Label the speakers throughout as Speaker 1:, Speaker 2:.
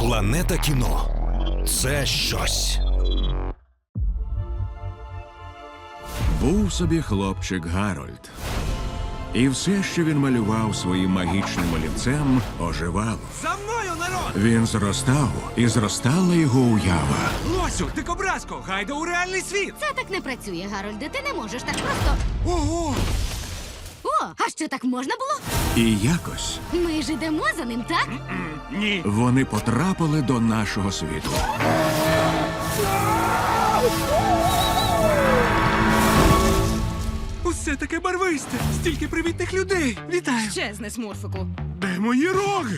Speaker 1: Планета кіно – це щось.
Speaker 2: Був собі хлопчик Гарольд. І все, що він малював своїм магічним олівцем, оживало.
Speaker 3: За мною, народ!
Speaker 2: Він зростав, і зростала його уява.
Speaker 3: Лосю, дикобразко, гайда у реальний світ!
Speaker 4: Це так не працює, Гарольде. Ти не можеш так просто.
Speaker 3: Ого!
Speaker 4: О, а що так можна було?
Speaker 2: І якось
Speaker 4: Ми ж ідемо за ним, так?
Speaker 3: Ні!
Speaker 2: вони потрапили до нашого світу.
Speaker 3: Усе таке барвисте! Стільки привітних людей! Вітаю!
Speaker 5: Чесне, смурфику.
Speaker 3: Де мої роги?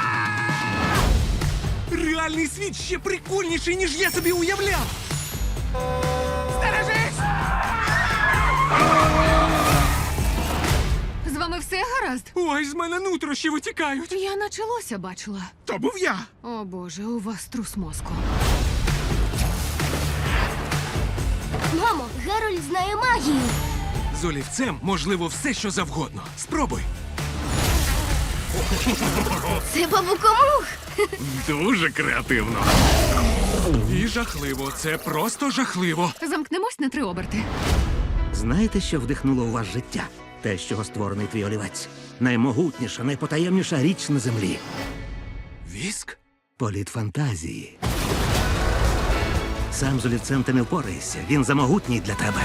Speaker 3: Реальний світ ще прикольніший, ніж я собі уявляв! Стережись!
Speaker 5: З вами все гаразд?
Speaker 3: Ой, з мене нутрощі витікають!
Speaker 5: Я наче лося бачила.
Speaker 3: То був я!
Speaker 5: О боже, у вас трус мозку.
Speaker 4: Мамо, Гарольд знає магію.
Speaker 3: З олівцем можливо все, що завгодно. Спробуй!
Speaker 4: Це бабукомух.
Speaker 3: Дуже креативно. І жахливо. Це просто жахливо.
Speaker 5: Замкнемось на 3 оберти.
Speaker 6: Знаєте, що вдихнуло у вас життя? Те, з чого створений твій олівець. Наймогутніша, найпотаємніша річ на землі.
Speaker 3: Віск?
Speaker 6: Політ фантазії. Сам з олівцем ти не впораєшся. Він замогутній для тебе.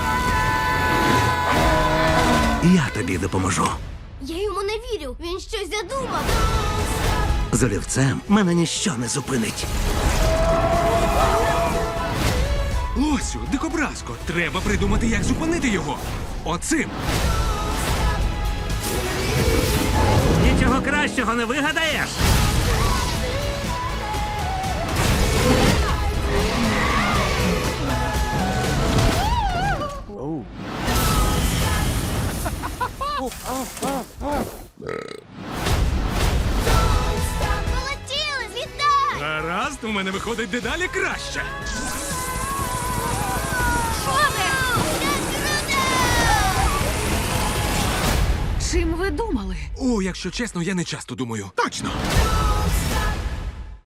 Speaker 6: Я тобі допоможу.
Speaker 4: Я йому не вірю. Він щось задумав.
Speaker 6: З олівцем мене ніщо не зупинить.
Speaker 3: Лосю, дикобразко, треба придумати, як зупинити його. Оцим.
Speaker 6: Нічого кращого не вигадаєш.
Speaker 4: Полетіли, злітай!
Speaker 3: Гаразд, у мене виходить дедалі краще.
Speaker 5: Чим ви думали?
Speaker 3: О, якщо чесно, я не часто думаю. Точно!